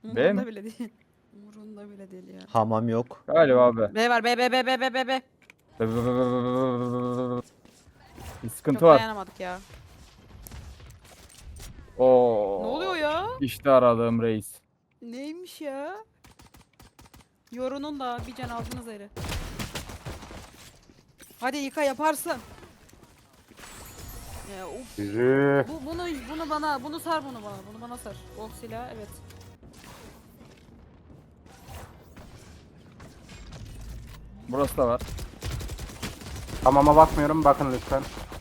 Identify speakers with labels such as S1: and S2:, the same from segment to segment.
S1: B mi?
S2: Umurunda bile değil. Umurunda bile değil ya.
S3: Hamam yok.
S1: Galiba B.
S2: B var, B, B, B, B, B, B, B.
S1: Bir sıkıntı
S2: Çok
S1: var.
S2: dayanamadık ya.
S1: Oo.
S2: Ne oluyor ya?
S1: İşte aradığım reis.
S2: Neymiş ya? Yorunun da bir can aldınız eri. Hadi yıka yaparsın. Ya, uf.
S4: Yürü.
S2: Bunu bana, bunu sar bunu bana. Bunu bana sar. Oh silah evet.
S1: Burası da var.
S4: Hamama bakmıyorum, bakın lütfen.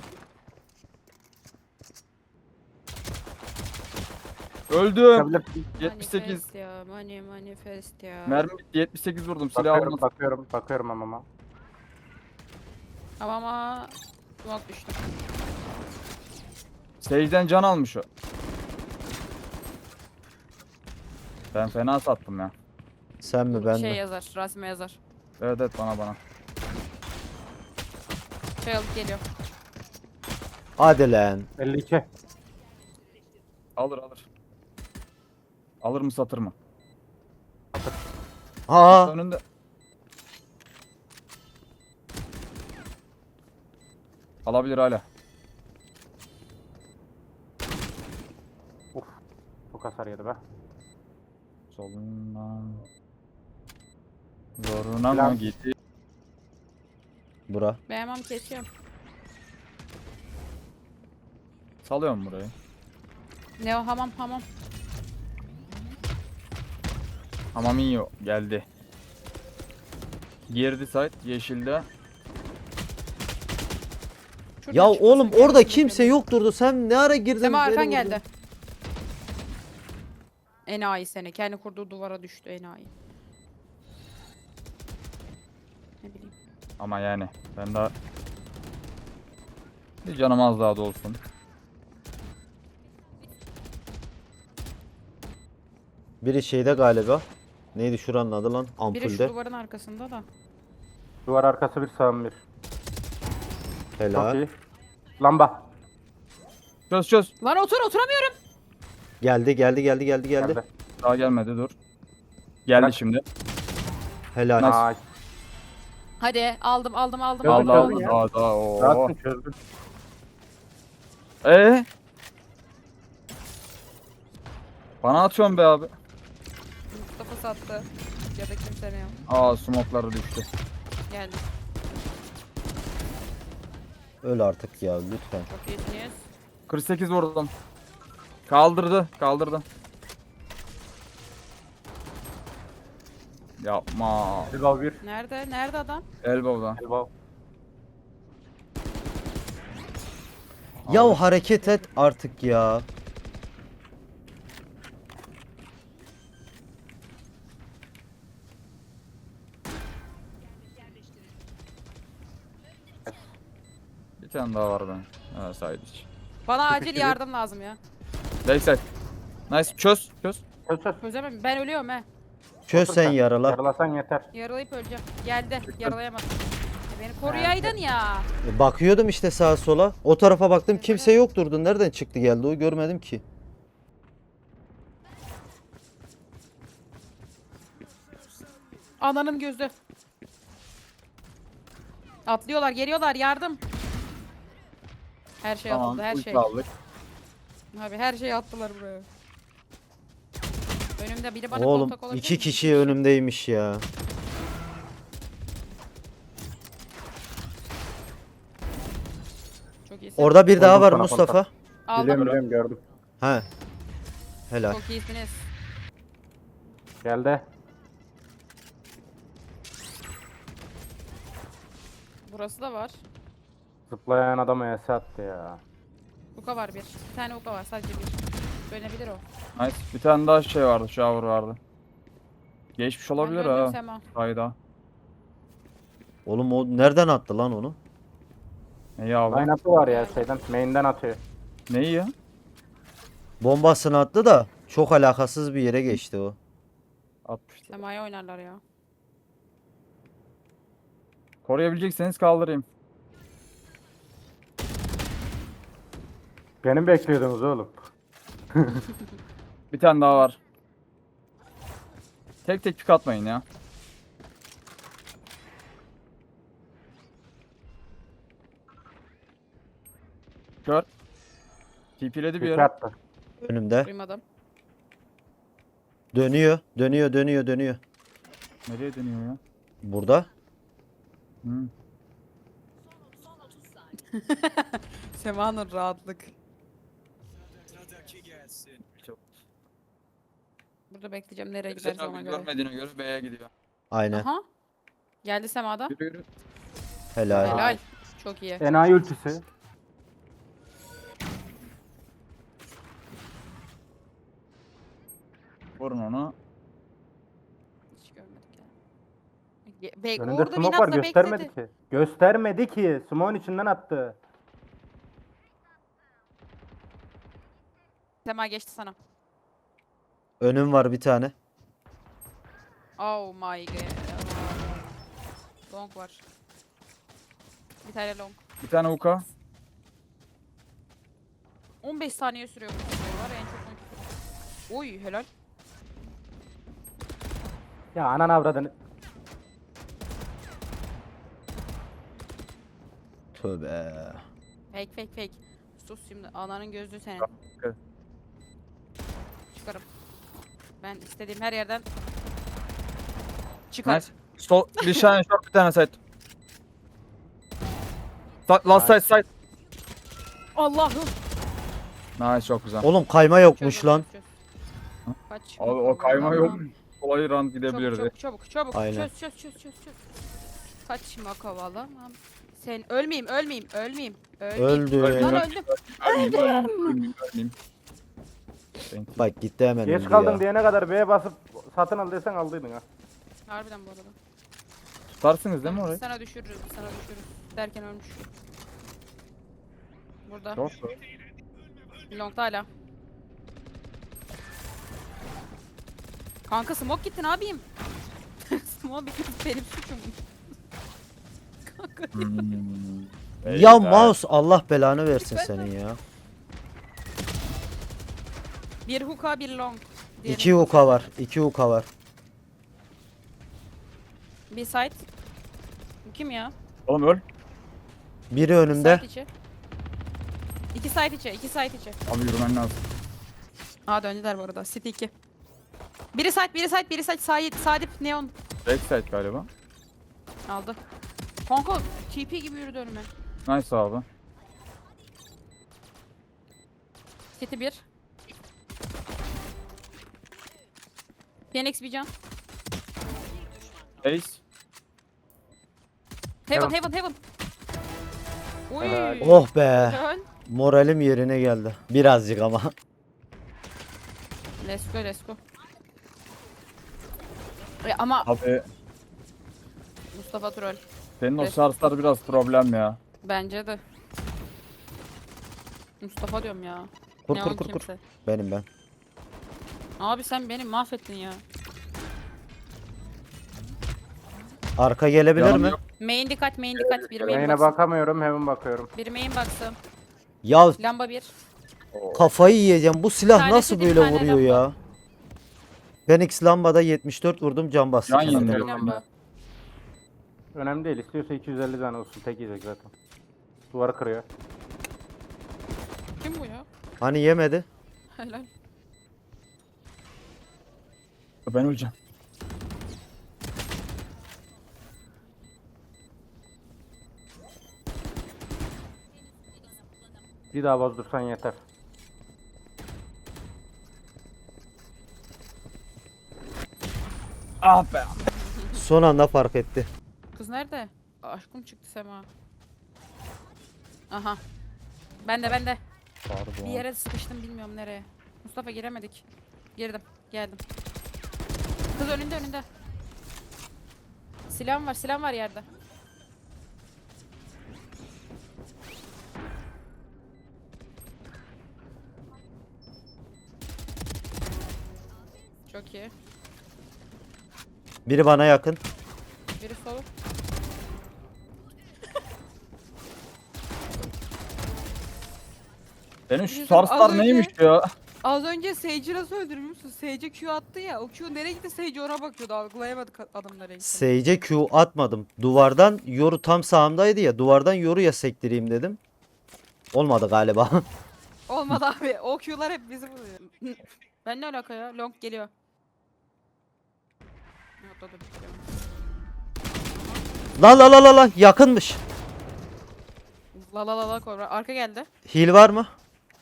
S1: Öldüm.
S4: Çıkabilir.
S1: 78.
S2: Manifest ya. Manifest ya.
S1: Mermi bitti. 78 vurdum. Silah
S4: Bakıyorum,
S1: almadım.
S4: bakıyorum hamama.
S2: Ama smoke düştü.
S1: Sage'den can almış o. Ben fena sattım ya.
S3: Sen mi ben
S2: Şey
S3: mi?
S2: yazar. Rasime yazar.
S1: Evet evet bana.
S2: Şey alıp geliyor.
S3: Hadi lan.
S4: 52.
S1: Alır. Alır mı satır mı?
S3: Aa,
S1: Önünde. Alabilir hala.
S4: Çok hasar yedi be.
S1: Solundan. Zoruna mı
S4: Plan.
S1: gitti?
S3: bura.
S2: Beğenmem kesiyorum.
S1: Salıyorum burayı.
S2: Ne o hamam.
S1: Hamaminho geldi. Girdi site yeşilde.
S2: Şuradan
S3: Ya
S2: çıkmasın,
S3: oğlum orada
S2: gelmesin
S3: kimse
S2: şöyle.
S3: yokturdu. Sen ne ara girdin?
S2: Sema
S3: beni
S2: arkan
S3: vurdun?
S2: geldi. Enayi seni. Kendi kurduğu duvara düştü enayi. Ne bileyim.
S1: Ama yani ben daha bir canım az daha dolsun.
S3: Biri şeyde galiba. Neydi şuranın adı lan?
S2: Biri şu
S3: Ampulde.
S2: duvarın arkasında da.
S4: Duvar arkası bir, sağım bir. Çok
S3: Helal.
S4: iyi. Lamba.
S1: Çöz.
S2: Lan oturamıyorum.
S3: Geldi.
S1: Daha gelmedi dur. Geldi
S4: Bırak.
S1: şimdi.
S3: Helal.
S1: Nice.
S4: Ay.
S2: Hadi aldım.
S4: Çözdün,
S1: Aldı
S4: çözdün ya.
S1: daha. Oo.
S4: Rahatsın, çözdün.
S1: Bana atıyorsun be abi.
S2: Mustafa sattı. Ya da kimse ne yok.
S1: Aa smoke'ları düştü.
S2: Geldi.
S3: Öl artık ya lütfen.
S2: Çok iyisiniz.
S1: 48 vurdum. Kaldırdı. Yapma.
S4: Elbow bir.
S2: Nerede adam?
S1: Elbow'dan.
S4: Elbow.
S3: Ya hareket et artık ya.
S1: Bir tane daha var ben. Ha side iç.
S2: Bana acil
S4: Sıkıştırıyor.
S2: yardım lazım ya.
S1: Backside. Nice. Çöz.
S4: Çöz.
S2: Çözemem. Ben ölüyorum he.
S3: Çöz sen yarala.
S4: Yaralasan yeter.
S2: Yaralayıp öleceğim. Geldi. Yaralayamadım. Beni koruyaydın ya.
S3: Bakıyordum işte sağa sola. O tarafa baktım kimse yokturdu. Nereden çıktı geldi o görmedim ki.
S2: Ananın gözü. Atlıyorlar, geliyorlar. Yardım. Her şey
S1: Tamam.
S2: atıldı, her
S1: ulti
S2: şey.
S1: aldık.
S2: Abi her şeyi attılar buraya. Önümde biri bana
S3: Oğlum
S2: kontak olabilir
S3: iki
S2: mi?
S3: kişi önümdeymiş ya.
S2: Çok iyisin.
S3: Orada bir daha
S4: Koydum
S3: var
S4: sana
S3: Mustafa.
S2: Aldım.
S4: Biliyorum, gördüm.
S3: He. Helal.
S2: Çok iyisiniz.
S4: Geldi.
S2: Burası da var.
S4: Zıplayan adamı ES attı ya.
S2: Uka var bir. Bir tane uka var sadece bir. Dönebilir o.
S1: Nice. Bir tane daha şey vardı. Shower vardı. Geçmiş olabilir
S2: Ben döndüm
S1: ha.
S2: Sema.
S1: Hayda.
S3: Oğlum o nereden attı lan onu?
S1: Neyi abi?
S4: Line-up'ı var ya şeyden, main'den atıyor.
S1: Neyi ya?
S3: Bombasını attı da çok alakasız bir yere geçti o.
S1: 60.
S2: Sema'ya oynarlar ya.
S1: Koruyabilecekseniz kaldırayım.
S4: Beni mi bekliyordunuz oğlum?
S1: Bir tane daha var. Tek tek pik atmayın ya. Kör. TP'ledi bir yere.
S4: Dikkat attı.
S3: Önümde.
S2: Duymadım.
S3: Dönüyor. Dönüyor.
S1: Nereye dönüyor ya?
S3: Burada.
S1: Hı.
S2: Sema'nın rahatlık. Burada bekleyeceğim. Nereye giderse
S1: Sen
S2: ona
S1: abi
S2: göre.
S1: görmediğine göre B'ye gidiyor.
S3: Aynen.
S2: Aha. Geldi Sema'da.
S1: Yürü yürü.
S3: Helal.
S2: Helal. Çok iyi.
S4: Enayi ultisi.
S1: Vurun onu.
S2: Hiç görmedik ya. Bek,
S4: Önünde
S2: orada
S4: smoke var
S2: inatla
S4: göstermedi
S2: bekledi.
S4: ki. Göstermedi ki. Smoke'un içinden attı.
S2: Sema geçti sana.
S3: Önüm var bir tane.
S2: Oh my god. Long var. Bir tane long.
S1: Bir tane uka.
S2: 15 saniye sürüyor bu video var ya, en çok 12 sürüyor. Oy helal.
S4: Ya anan avradını.
S3: Tövbe.
S2: Fake. Sus şimdi, ananın gözlüğü senin.
S1: Evet.
S2: Çıkarım. Ben istediğim her yerden çıkar.
S1: Nice. Sol bir tane short bir tane side. Last side.
S2: Allah'ım.
S1: Nice çok güzel.
S3: Oğlum kayma yokmuş
S2: Çöz,
S3: lan.
S2: çöz, çöz. Kaç.
S1: Abi o kayma yok. Kolay run gidebilirdi.
S2: Çabuk.
S3: Aynen.
S2: Çöz. Kaçma kovalamam. Sen ölmeyeyim.
S3: Öldü.
S2: Lan öldüm.
S1: Ölmeyeyim.
S3: Bak gitti hemen
S4: Geç
S3: öldü
S4: kaldın
S3: ya.
S4: diyene kadar B'ye basıp satın al desen aldıydın ha.
S2: Harbiden bu arada.
S1: Tutarsınız değil mi orayı?
S2: Sana düşürürüz. Derken ölmüş. Burada.
S1: Yok.
S2: Long'da hala. Kanka smoke gitti, ne yapayım? Smoke bitti, benim suçum. Kanka.
S3: Ya mouse Allah belanı versin senin ya.
S2: Bir hookah, bir long. Diyelim.
S3: 2 uka var. 2 uka var.
S2: Bir side. Bu kim ya?
S1: Oğlum öl.
S3: Biri önümde.
S2: Side içi. İki side içi.
S1: Abi yürümen lazım.
S2: Aa döndüler bu arada. City 2. Biri side. Sadip neon
S1: Backside galiba.
S2: aldı. Kanka TP gibi yürüdü önüme.
S1: Nice abi.
S2: City 1. Phoenix bir can.
S1: Ace.
S2: Heaven. Oy.
S4: Helal.
S3: Oh be.
S2: Helal.
S3: Moralim yerine geldi. Birazcık ama.
S2: Let's go. Ama
S1: Abi
S2: Mustafa troll.
S1: senin o
S2: Evet.
S1: sarslar biraz problem ya.
S2: Bence de. Mustafa diyorum ya.
S3: Kur
S2: Neon
S3: kur.
S2: kimse.
S3: Benim ben.
S2: Abi sen beni mahvettin ya.
S3: Arka gelebilir
S1: Yanım
S3: mi?
S1: yok.
S2: Main dikkat. Bir main
S4: Main'e
S2: baksın.
S4: bakamıyorum hemen bakıyorum.
S2: Bir main baksın.
S3: Ya
S2: Lamba 1.
S3: kafayı yiyeceğim. Bu silah
S2: Tanesi
S3: nasıl
S2: bir
S3: böyle
S2: tane
S3: vuruyor
S2: lamba.
S3: ya? Phoenix lambada 74 vurdum can bastı.
S1: Can
S3: kendine.
S1: yeniliyor.
S2: Lamba.
S4: Önemli değil. İstiyorsa 250 tane olsun. Tek yiyecek zaten. Duvarı kırıyor.
S2: Kim bu ya?
S3: Hani yemedi?
S2: Helal.
S1: Ben öleceğim.
S4: Bir daha bozdursan yeter.
S1: Ah be.
S3: Son anda fark etti.
S2: Kız nerede? Aşkım çıktı Sema. Aha. Ben de. Bir yere sıkıştım, bilmiyorum nereye. Mustafa giremedik. Girdim. Geldim. Kız önünde. Silahım var yerde. Çok iyi.
S3: Biri bana yakın.
S2: Biri solu.
S1: Benim şu
S2: Yüzüm
S1: sarslar
S2: az önce-
S1: neymiş ya?
S2: Az önce Sage'i nasıl öldürmüşsün? Sage'e Q attı ya. O Q nereye gitti? Sage ona bakıyordu. Algılayamadık adam nereye gitti.
S3: Sage'e Q atmadım. Duvardan yoru tam sağımdaydı ya. Duvardan yoru ya sektireyim dedim. Olmadı galiba.
S2: Olmadı abi. O Q'lar hep bizi buluyor. Ben ne alaka ya? Long geliyor. Yok, dur, dur.
S3: La la la la la yakınmış.
S2: La la la la kobra. Arka geldi.
S3: Heal var mı?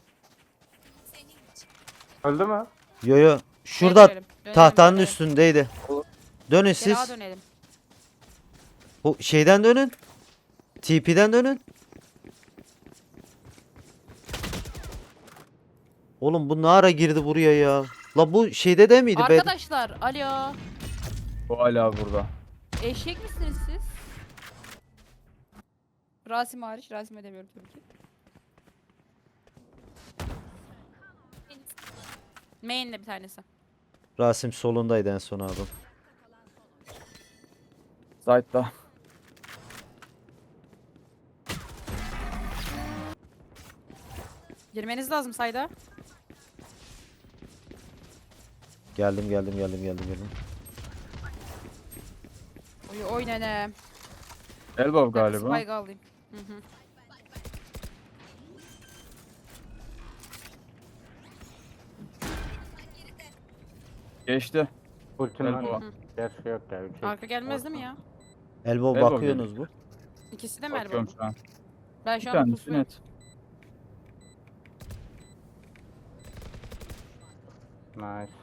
S4: Öldü mü?
S3: Yo yo. Şurada
S2: Dönelim,
S3: tahtanın
S2: dönelim.
S3: üstündeydi. Dönün
S2: Gel ağa
S3: siz.
S2: dönelim.
S3: Bu şeyden dönün. TP'den dönün. Oğlum bu ne ara girdi buraya ya? La bu şeyde de miydi?
S2: Arkadaşlar alo.
S1: Bu hala burada.
S2: Eşek misiniz siz? Rasim hariç. Rasim edemiyorum tabii ki. Main'de bir tanesi.
S3: Rasim solundaydı en son abi.
S1: Zayt'ta.
S2: Girmeniz lazım sayda.
S3: Geldim.
S2: Oy nene.
S1: Elbow galiba.
S2: Spike alayım. Hı hı.
S1: Geçti.
S4: Ultinin
S1: Elbow.
S4: var. Gerçi yok ya. Üç
S2: Arka gelmez değil mi ya?
S3: Elbow
S1: Elbow
S3: bakıyorsunuz bu.
S2: İkisi de mi
S1: Bakıyorum
S2: Erbo?
S1: şu an.
S2: Ben
S1: Bir
S2: şu an
S1: tanesi
S2: pusuyum.
S1: net.
S4: Nice.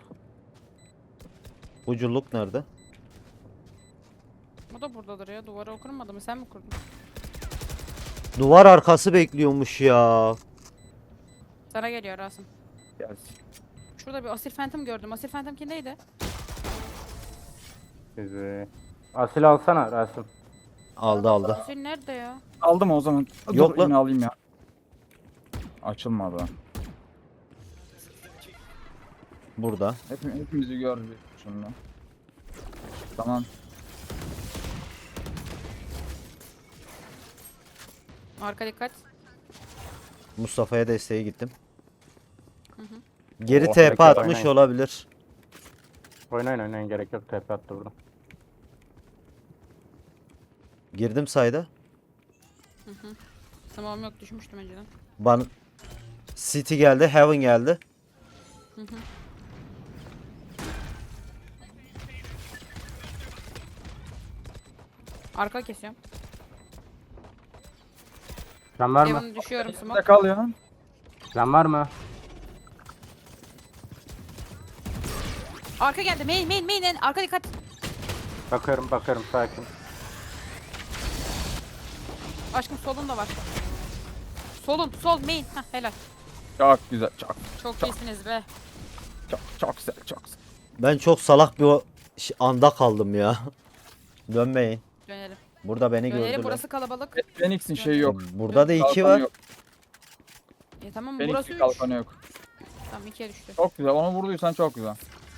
S3: Uculuk nerede?
S2: O da buradadır ya. Duvara okunmadı mı? Sen mi kurdun?
S3: Duvar arkası bekliyormuş ya.
S2: Sana geliyor Rasim.
S1: Gelsin.
S2: Şurada bir Asil Phantom gördüm. Asil Phantom kimdeydi?
S4: Sizi. Asil alsana Rasim.
S3: Aldı.
S2: Asil nerede ya?
S1: Aldım o zaman.
S3: Yok
S1: Dur,
S3: lan.
S1: yine alayım ya. Açılmadı.
S3: Burada.
S1: Hepimizi gördü şimdi. Tamam.
S2: Arka dikkat.
S3: Mustafa'ya desteğe gittim. Geri
S1: Oh,
S3: TP
S4: rekor
S3: atmış
S4: oynayın.
S3: olabilir.
S4: Oynayın gerek yok. TP attı burada.
S3: Girdim sayda.
S2: Tamam yok düşmüştüm önceden.
S3: Ban City geldi, Heaven geldi.
S2: Arka kesiyorum.
S4: Can var mı?
S2: Devon düşüyorum
S1: Ne
S2: smoke.
S1: kal ya?
S4: Can var mı?
S2: Arka geldi. Main. Arka dikkat.
S4: Bakıyorum sakin.
S2: Aşkım solun da var. Sol main. Hah helal.
S1: Çok güzel.
S2: Çok iyisiniz be.
S1: Çok güzel. Çok güzel.
S3: Ben çok salak bir anda kaldım ya. Dönmeyin.
S2: Dönelim.
S3: Burada beni
S2: Dönelim
S3: gördüler.
S2: burası kalabalık.
S1: Phoenix'in şeyi yok.
S3: Burada da iki
S1: Kalkanı
S3: var.
S1: yok.
S2: Tamam burası
S1: Phoenix'in
S2: 3.
S1: kalkanı yok.
S2: Tamam 2'ye düştü.
S1: Çok güzel. Onu vurduysan çok güzel.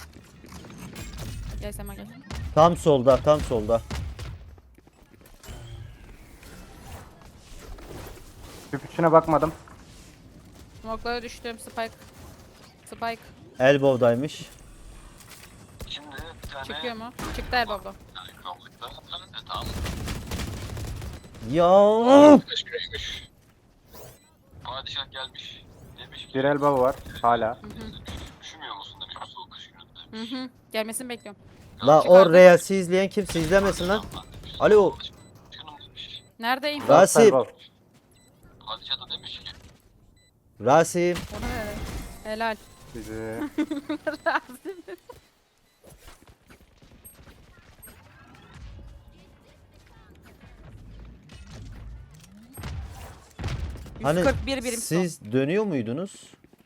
S2: Gel Sema gel.
S3: Tam solda.
S4: Tüp içine bakmadım.
S2: Smoke'lara düştüm. Spike.
S3: Elbow'daymış.
S5: Şimdi bir tane
S2: Çıkıyor mu? Çıktı Erbabla.
S5: kaldıkta tamam.
S3: Ya.
S5: Kaç kiloymuş? Padişah gelmiş. Demiş ki
S4: Bir elbow var. Hala.
S5: üşümüyor musun demiş bu soğuk kış gününde.
S2: Hı. Gelmesini bekliyorum.
S3: La
S2: Çıkardım.
S3: o Reels'i izleyen kimse izlemesin lan. Alo.
S5: Başkanım demiş.
S2: Neredeyim?
S3: Rasim.
S4: Elbow.
S5: Padişah da demiş ki
S3: Rasim.
S2: Onu ver. Helal.
S4: Sizi.
S2: Rasim.
S3: Hani
S2: 141 birim son.
S3: siz dönüyor muydunuz?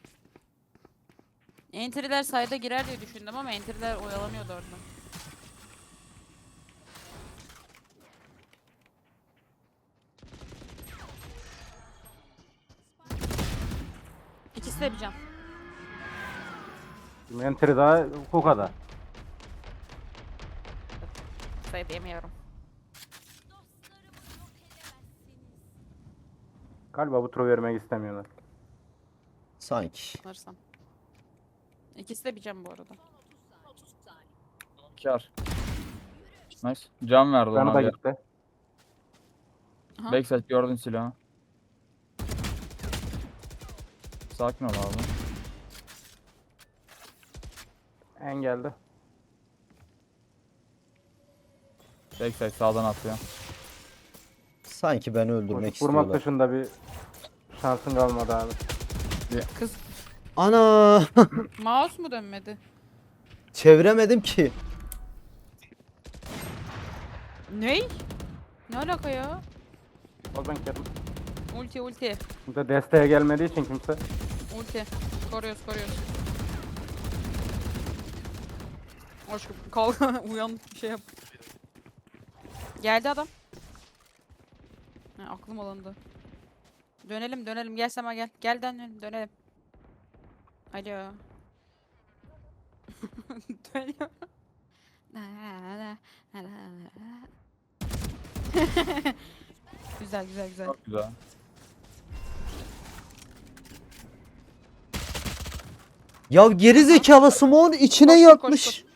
S2: Entry'ler sayda girer diye düşündüm ama entry'ler oyalamıyordu orada. İkisi de bir can.
S4: Entry daha Kuka'da.
S2: Sayı diyemiyorum.
S4: Galiba bu turu vermek istemiyorlar.
S3: Sanki.
S2: Sanırsam. İkisi de bir can bu arada.
S1: Kar. Nice. Can verdi
S4: Canı
S1: ona
S4: da
S1: bir.
S4: gitti.
S2: Aha.
S1: Backside gördün silahı. Sakin ol abi.
S4: En geldi.
S1: Backside sağdan atıyor.
S3: Sanki beni öldürmek
S4: Vurmak
S3: istiyorlar.
S4: dışında bir şansın kalmadı abi.
S2: Kız
S3: Ana!
S2: mouse mu dönmedi?
S3: Çeviremedim ki.
S2: Ney? Ne alaka ya?
S4: O ben kendim.
S2: Ulti ulti.
S4: Kimse desteğe gelmediği için kimse.
S2: Ulti. Koruyoruz koruyoruz. Aşkım kalk uyan bir şey yap. Geldi adam. Ha, aklım alındı. Dönelim dönelim gel Sema gel. Gel dönelim. Alo. Dönüyor. Güzel güzel güzel.
S1: Çok güzel.
S3: Ya geri zekalı Simon içine
S2: Koş, koş,
S3: yatmış.
S2: koş.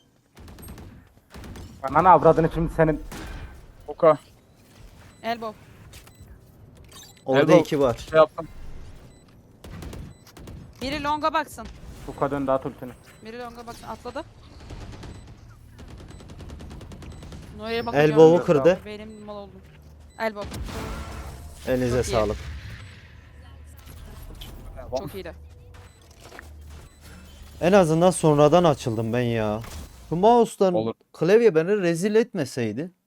S4: Ananı avradını şimdi senin.
S1: Oka.
S2: Elbow.
S3: Orada
S1: Elbow.
S3: 2 var.
S1: Şey yaptım.
S2: Biri longa baksın.
S4: Bu kadın daha ultini.
S2: Biri longa baksın. Atladı. Noya'ya bakacağım.
S3: Elbow'u kırdı.
S2: Benim mal oldum. Elbow.
S3: Elinize
S2: Çok iyi.
S3: sağlık.
S2: Çok iyiydi.
S3: En azından sonradan açıldım ben ya. Bu mouse'dan
S1: Olur.
S3: klavye beni rezil etmeseydi.